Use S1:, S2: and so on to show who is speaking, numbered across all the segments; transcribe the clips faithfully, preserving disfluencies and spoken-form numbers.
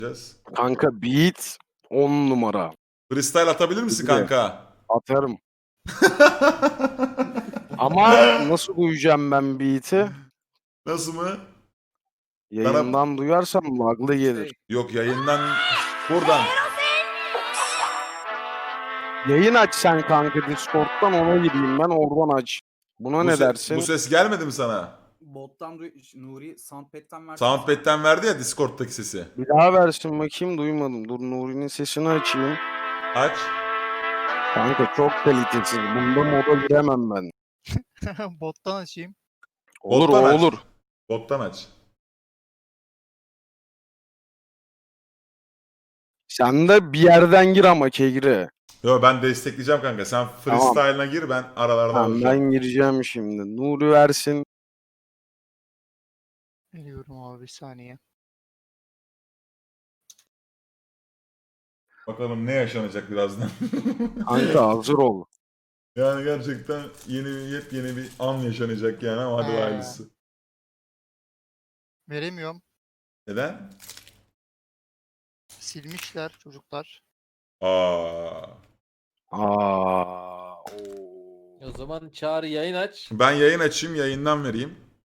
S1: Yapacağız.
S2: Kanka beat on numara.
S1: Freestyle atabilir misin
S2: Tabii.
S1: kanka?
S2: Atarım. Ama nasıl duyacağım ben beat'i?
S1: Nasıl mı? Bana...
S2: Yayından duyarsam laglı gelir.
S1: Yok yayından buradan.
S2: Yayın aç sen kanka Discord'dan, ona gireyim ben, oradan aç. Buna
S1: Bu
S2: ne
S1: se-
S2: dersin?
S1: Bu ses gelmedi mi sana?
S3: Bottan duy Nuri Soundpad'den verdi.
S1: Soundpad'den verdi ya Discord'daki sesi.
S2: Bir daha versin bakayım, duymadım. Dur Nuri'nin sesini açayım.
S1: Aç.
S2: Kanka çok kalitesiz. Bunda moda giremem ben.
S4: Bottan açayım.
S2: Olur
S1: Bottan
S2: o
S1: aç.
S2: olur.
S1: Bottan aç.
S2: Sen de bir yerden gir ama Kegri.
S1: Yo ben destekleyeceğim kanka. Sen freestyle'ına gir, ben aralarda
S2: Tamam,
S1: olacağım.
S2: ben gireceğim şimdi. Nuri versin.
S4: Veriyorum abi bir saniye.
S1: Bakalım ne yaşanacak birazdan.
S2: Kanka hazır ol.
S1: Yani gerçekten yeni bir yepyeni bir an yaşanacak yani, ama hadi
S4: He.
S1: hayırlısı.
S4: Veremiyorum.
S1: Neden?
S4: Silmişler çocuklar.
S1: Aa.
S2: Aa. Oo.
S5: O zaman Çağrı yayın aç.
S1: Ben yayın açayım, yayından vereyim.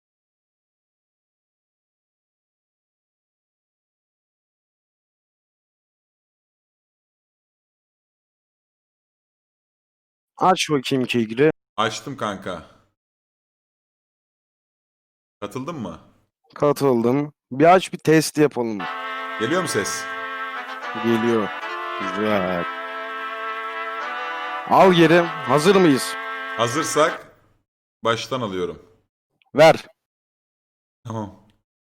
S2: Aç bakayım Kegri.
S1: Açtım kanka. Katıldın mı?
S2: Katıldım. Bir aç, bir test yapalım.
S1: Geliyor mu ses?
S2: Geliyor. Güzel. Al geri. Hazır mıyız?
S1: Hazırsak baştan alıyorum.
S2: Ver.
S1: Tamam.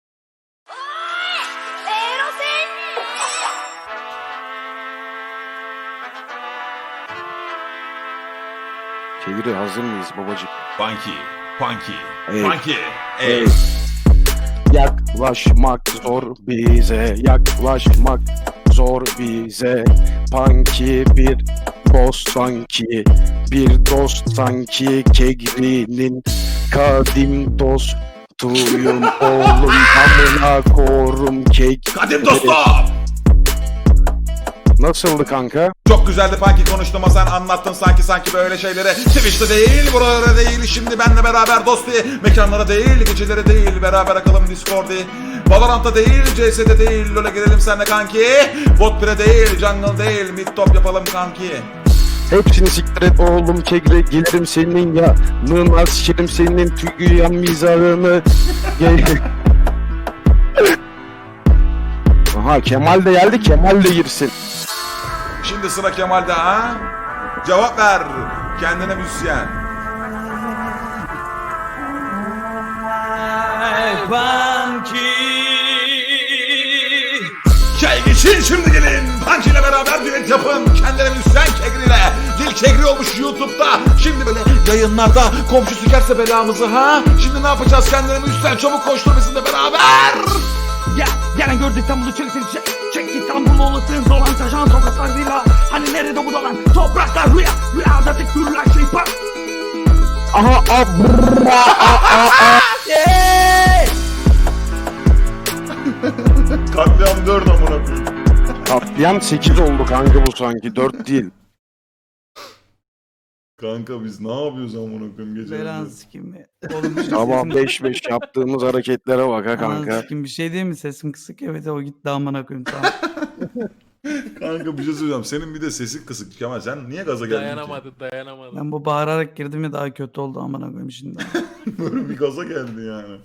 S2: Kegri hazır mıyız babacık?
S1: Funky, funky,
S2: Ey.
S1: funky.
S2: Ey.
S1: Ey.
S2: Yaklaşmak zor bize, yaklaşmak zor bize. Punky bir boss sanki, bir dost sanki. Kegri'nin kadim dostuyum oğlum, amına korum kek.
S1: Kadim dostum.
S2: Nasıldı kanka?
S1: Çok güzeldi Funky, konuştum ama sen anlattın sanki sanki böyle şeyleri. Twitch'te değil, buralara değil, şimdi benle beraber dost diye. Mekanlara değil, geceleri değil, beraber akalım Discord'i. Valorant'ta değil, C S'de değil, LoL'e girelim senle kanki. Bot bire değil, jungle değil, mid top yapalım kanki.
S2: Hepsini siktir et oğlum Kegri, gelirim senin yanına, sikerim senin tüyüyen mizahını. Aha Kemal de geldi, Kemal de girsin.
S1: Şimdi sıra Kemal'de ha? Cevap ver kendine müzisyen. Çay geçin şimdi gelin. Punky ile beraber düet yapın. Kendine müzisyen Kegri'yle. Dil Kegri olmuş YouTube'da. Şimdi böyle yayınlarda komşu sikerse belamızı ha? Şimdi ne yapacağız kendine müzisyen? Çabuk koştur bizimle beraber.
S6: Ya gelen gördü İstanbul'u çeksin çek Çek İstanbul'u olasın dolan taşan sokaklarıyla. Hani nerede bu dolan topraklar rüya Rüyada tek görülen şey par.
S2: Aha abra a
S1: Katliam dört amına koyayım.
S2: Katliam sekiz oldu kanka bu sanki, dört değil.
S1: Kanka biz ne yapıyoruz amına koyayım gece?
S6: Belan sikim mi? Oğlum
S2: Sabah beş beş yaptığımız hareketlere bak ha kanka.
S6: Sikim bir şey değil mi? Sesim kısık, evet o gitti amına koyayım tamam.
S1: Kanka bir şey söyleyeceğim. Senin bir de sesin kısık Kemal. Sen niye gaza geldin ki?
S5: Dayanamadı dayanamadı.
S6: Ben bu bağırarak girdim ya, daha kötü oldu amına koyayım şimdi.
S1: Böyle bir gaza geldi yani.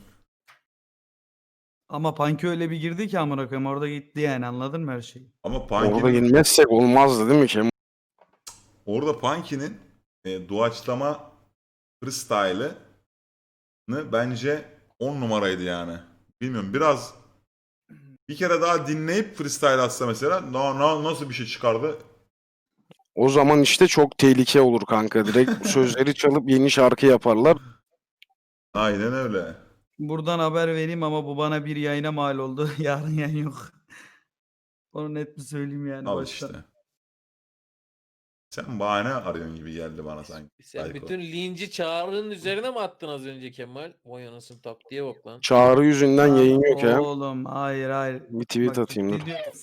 S6: Ama Punky öyle bir girdi ki amına koyayım, orada gitti yani, anladın mı her şeyi?
S1: Ama
S2: Orada
S1: Punky'nin
S2: yenmezsek olmazdı değil mi Kemal?
S1: orada Punky'nin e, doğaçlama freestyle'ını bence on numaraydı yani. Bilmiyorum, biraz bir kere daha dinleyip freestyle atsa mesela na, na, nasıl bir şey çıkardı?
S2: O zaman işte çok tehlike olur kanka. Direkt sözleri çalıp yeni şarkı yaparlar.
S1: Aynen öyle.
S6: Buradan haber vereyim ama bu bana bir yayına mal oldu. Yarın yayın yok. Onu net bir söyleyeyim yani
S1: Al
S6: baştan.
S1: işte. Sen bahane arıyorsun gibi geldi bana sanki.
S5: Sen
S1: Psycho.
S5: bütün linci Çağrı'nın üzerine mi attın az önce Kemal? Vay anasını taktiğe bak lan.
S2: Çağrı yüzünden yayın yok ya.
S3: Oğlum hayır hayır.
S2: Bir tweet
S3: Bak,
S2: atayım dur.
S3: ciddi diyorum.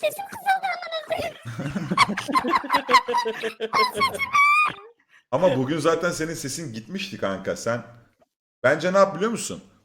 S1: Ama bugün zaten senin sesin gitmişti kanka. Sen bence ne yap biliyor musun?